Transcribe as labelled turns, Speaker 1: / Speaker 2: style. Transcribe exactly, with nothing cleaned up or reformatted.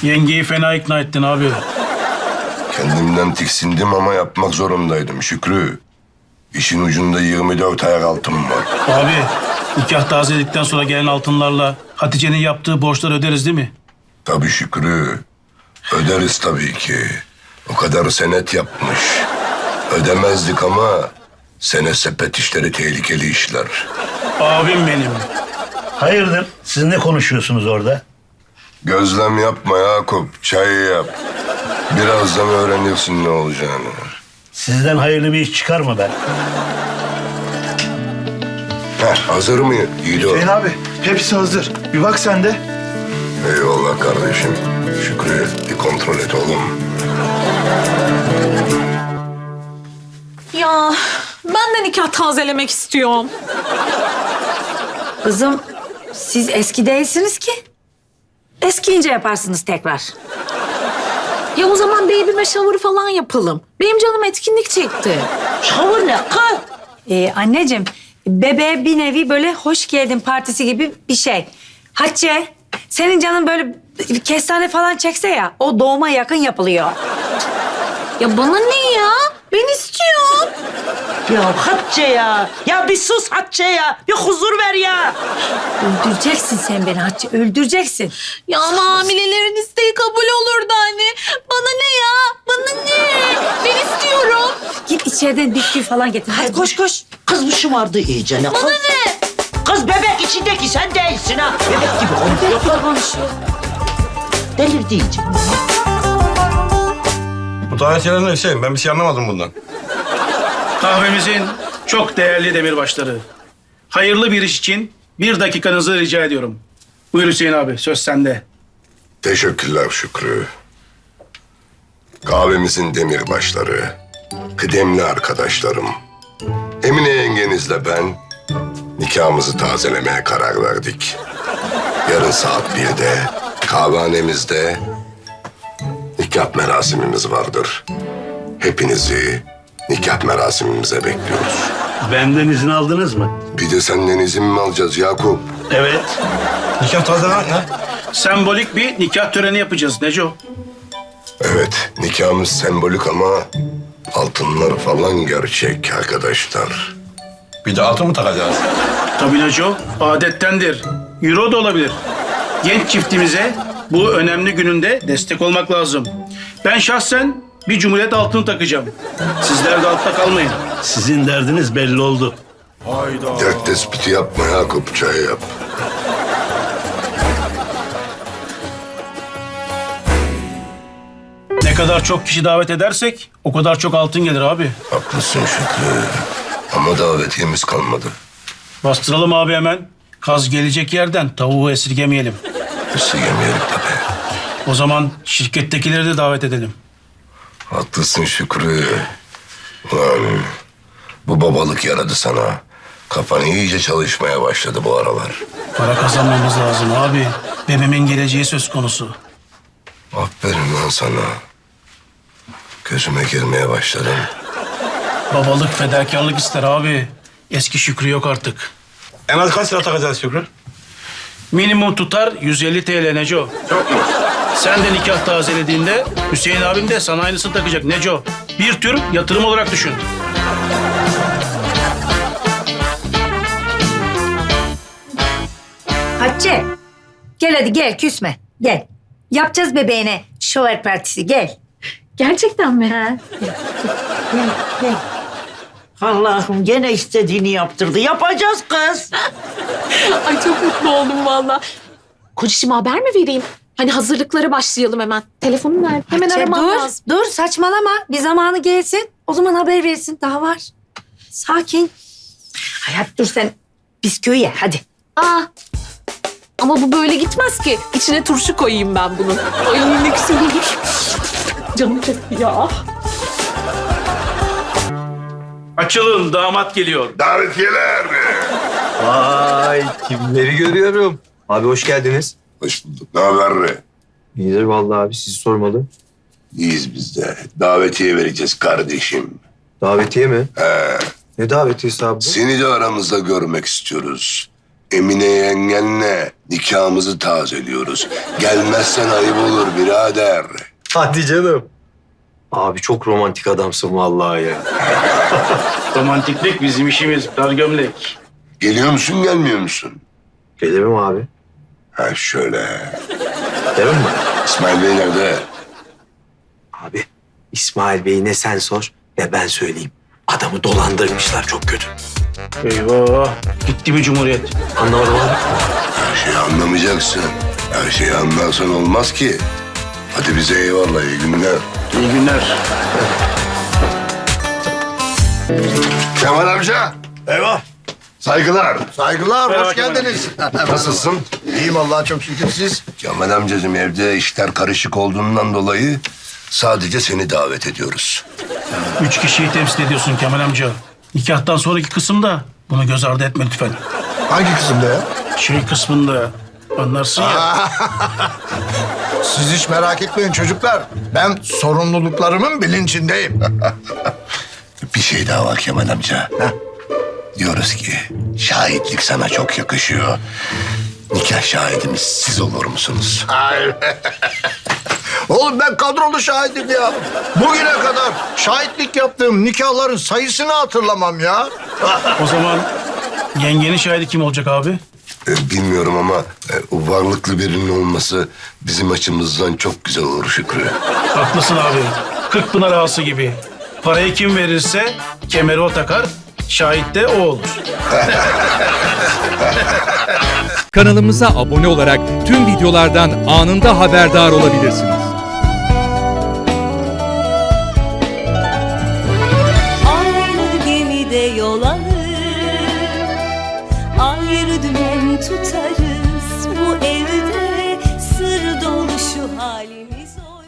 Speaker 1: Yengeyi fena ikna ettin abi.
Speaker 2: Kendimden tiksindim ama yapmak zorundaydım Şükrü. İşin ucunda yirmi dört ayak altın var.
Speaker 1: Abi nikah tazeledikten sonra gelen altınlarla Hatice'nin yaptığı borçları öderiz değil mi?
Speaker 2: Tabii Şükrü. Öderiz tabii ki. O kadar senet yapmış. Ödemezdik ama senet sepet işleri tehlikeli işler.
Speaker 1: Abim benim.
Speaker 3: Hayırdır? Siz ne konuşuyorsunuz orada?
Speaker 2: Gözlem yapma Yakup, çay yap. Birazdan öğrenirsin ne olacağını.
Speaker 3: Sizden hayırlı bir iş çıkar mı ben?
Speaker 2: Heh, hazır mı Yiğido?
Speaker 4: Hüseyin abi hepsi hazır. Bir bak sen de.
Speaker 2: Eyvallah kardeşim. Şükrü bir kontrol et oğlum.
Speaker 5: Ya ben de nikah tazelemek istiyorum.
Speaker 6: Kızım siz eski değilsiniz ki. Eskiyince yaparsınız tekrar.
Speaker 5: Ya o zaman baby'me shower falan yapalım. Benim canım etkinlik çekti.
Speaker 6: Şavur ne kız? Ee, anneciğim bebeğe bir nevi böyle hoş geldin partisi gibi bir şey. Hatice senin canın böyle bir kestane falan çekse ya o doğuma yakın yapılıyor.
Speaker 5: Ya bana ne ya? Ben istiyorum.
Speaker 7: Ya Hatice ya. Ya bir sus Hatice ya. Bir huzur ver ya.
Speaker 6: Öldüreceksin sen beni Hatice öldüreceksin.
Speaker 5: Ya ama hamilelerin isteği kabul olurdu anne. Bana ne ya? Bana ne? Ben istiyorum.
Speaker 6: Git içeriden bisküvi falan getir. Hadi koş koş.
Speaker 7: Kız bu şımardı iyice ne?
Speaker 5: Bana ne?
Speaker 7: Kız bebek içindeki sen değilsin ha. Bebek gibi konuşuyor.
Speaker 6: Bebek konuşuyor.
Speaker 7: Delirdi iyice.
Speaker 8: Bu tarihçiler ne Hüseyin? Ben bir şey anlamadım bundan.
Speaker 1: Kahvemizin çok değerli demirbaşları. Hayırlı bir iş için bir dakikanızı rica ediyorum. Buyur Hüseyin abi, söz sende.
Speaker 2: Teşekkürler Şükrü. Kahvemizin demirbaşları, kıdemli arkadaşlarım. Emine yengenizle ben nikahımızı tazelemeye karar verdik. Yarın saat birde kahvehanemizde nikah merasimimiz vardır. Hepinizi nikah merasimimize bekliyoruz.
Speaker 3: Benden izin aldınız mı?
Speaker 2: Bir de senden izin mi alacağız Yakup?
Speaker 3: Evet.
Speaker 8: Nikah tazelemek ne?
Speaker 1: Sembolik bir nikah töreni yapacağız Neco.
Speaker 2: Evet, nikahımız sembolik ama altınlar falan gerçek arkadaşlar.
Speaker 8: Bir de altın mı takacağız?
Speaker 1: Tabii Neco, adettendir. Euro da olabilir. Genç çiftimize bu önemli gününde destek olmak lazım. Ben şahsen bir cumhuriyet altını takacağım. Sizler de altta kalmayın.
Speaker 3: Sizin derdiniz belli oldu.
Speaker 2: Dert tespiti yapma Yakup, çay yap.
Speaker 1: Ne kadar çok kişi davet edersek o kadar çok altın gelir abi.
Speaker 2: Haklısın Şükrü. Ama davetiyemiz kalmadı.
Speaker 1: Bastıralım abi hemen. Kaz gelecek yerden tavuğu esirgemeyelim.
Speaker 2: Esirgemeyelim tabii.
Speaker 1: O zaman şirkettekileri de davet edelim.
Speaker 2: Haklısın Şükrü. Ulan bu babalık yaradı sana. Kafan iyice çalışmaya başladı bu aralar.
Speaker 1: Para kazanmamız lazım abi. Bebeğimin geleceği söz konusu.
Speaker 2: Aferin lan sana. Gözüme girmeye başladın.
Speaker 1: Babalık fedakarlık ister abi. Eski Şükrü yok artık.
Speaker 8: En az kaç lira takacağız Şükrü?
Speaker 1: Minimum tutar yüz elli T L Neco. Çok mu? Sen de nikah tazelediğinde Hüseyin abim de sana aynısını takacak Neco. Bir tür yatırım olarak düşün.
Speaker 6: Hatice gel hadi gel küsme gel. Yapacağız bebeğine şover partisi gel.
Speaker 5: Gerçekten mi?
Speaker 6: Ha.
Speaker 7: Gel gel. Allah'ım gene istediğini yaptırdı. Yapacağız kız.
Speaker 5: Ay çok mutlu oldum valla. Kocacığıma haber mi vereyim? Hani hazırlıklara başlayalım hemen. Telefonum nerede? Hemen
Speaker 6: Hatice,
Speaker 5: aramam
Speaker 6: dur,
Speaker 5: lazım.
Speaker 6: Dur saçmalama. Bir zamanı gelsin. O zaman haber versin. Daha var. Sakin. Hayat dur sen bisküvi ye hadi.
Speaker 5: Aa, ama bu böyle gitmez ki. İçine turşu koyayım ben bunun. Ay ne güzel olur. Canım çekti ya.
Speaker 1: Açılın, damat geliyor.
Speaker 2: Davetiyeler.
Speaker 9: Vay kimleri görüyorum. Abi hoş geldiniz.
Speaker 2: Hoş bulduk. Ne haber?
Speaker 9: İyidir vallahi abi sizi sormalı.
Speaker 2: İyiyiz biz de. Davetiye vereceğiz kardeşim.
Speaker 9: Davetiye mi?
Speaker 2: He.
Speaker 9: Ne davetiyesi abi bu?
Speaker 2: Seni de aramızda görmek istiyoruz. Emine yengenle nikahımızı tazeliyoruz. Gelmezsen ayıp olur birader.
Speaker 9: Hadi canım. Abi çok romantik adamsın vallahi ya.
Speaker 1: Romantiklik bizim işimiz. Dar gömlek.
Speaker 2: Geliyor musun gelmiyor musun?
Speaker 9: Gelirim abi.
Speaker 2: Ha şöyle.
Speaker 9: Derim mi?
Speaker 2: İsmail Bey nerede?
Speaker 9: Abi İsmail Bey ne sen sor ne ben söyleyeyim. Adamı dolandırmışlar çok kötü.
Speaker 1: Eyvah. Gitti mi Cumhuriyet?
Speaker 9: Anlamadım abi.
Speaker 2: Her şeyi anlamayacaksın. Her şeyi anlarsan olmaz ki. Hadi bize eyvallah, iyi günler.
Speaker 1: İyi günler.
Speaker 2: Kemal amca.
Speaker 4: Eyvah.
Speaker 2: Saygılar.
Speaker 4: Saygılar,
Speaker 1: Merhaba
Speaker 4: hoş
Speaker 1: Kemal
Speaker 4: geldiniz.
Speaker 2: Nasılsın?
Speaker 4: İyiyim Allah'a çok şükür siz.
Speaker 2: Kemal amcacığım, evde işler karışık olduğundan dolayı sadece seni davet ediyoruz.
Speaker 1: Üç kişiyi temsil ediyorsun Kemal amca. Nikahtan sonraki kısımda bunu göz ardı etme lütfen.
Speaker 4: Hangi kısımda ya?
Speaker 1: Şey kısmında anlarsın ya.
Speaker 4: Siz hiç merak etmeyin çocuklar. Ben sorumluluklarımın bilincindeyim.
Speaker 2: Bir şey daha var Kemal amca. Diyoruz ki şahitlik sana çok yakışıyor. Nikah şahidimiz siz olur musunuz?
Speaker 4: Hayır. Oğlum ben kadrolu şahidim ya. Bugüne kadar şahitlik yaptığım nikahların sayısını hatırlamam ya.
Speaker 1: O zaman yengenin şahidi kim olacak abi?
Speaker 2: Ee, bilmiyorum ama e, o varlıklı birinin olması bizim açımızdan çok güzel olur Şükrü.
Speaker 1: Haklısın abi. Kırkpınar ağası gibi. Parayı kim verirse kemeri o takar, şahit de o olur.
Speaker 10: Kanalımıza abone olarak tüm videolardan anında haberdar olabilirsiniz.
Speaker 11: Aynı gemide yol alır, ayrı dümen tutarız. Bu evde sır dolu şu halimiz oynar.